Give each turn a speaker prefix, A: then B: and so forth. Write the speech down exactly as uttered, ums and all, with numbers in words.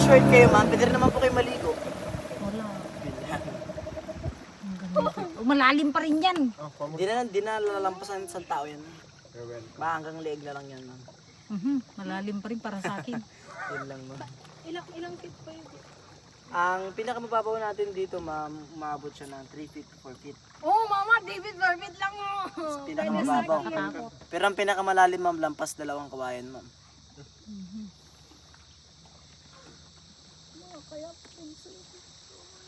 A: short kayo ma'am, pwede rin naman po kayo maligo.
B: Wala. Ang ganda. Oh, malalim pa rin yan.
A: Di na, di na lalampasan sa tao yan. Ba, hanggang leeg na lang yan ma'am.
B: Mhm, malalim pa rin para sa akin.
A: Yun lang ma'am.
C: Ilang ilang feet pa yun?
A: Ang pinakamababaw natin dito ma'am, umabot siya ng three feet to four feet.
C: Oh, mama, David Barbit lang oh.
A: Pinakamababaw.
B: Nakatakot.
A: Pero ang pinakamalalim ma'am, lampas dalawang kawayan ma'am.
B: Mhm.
C: Kaya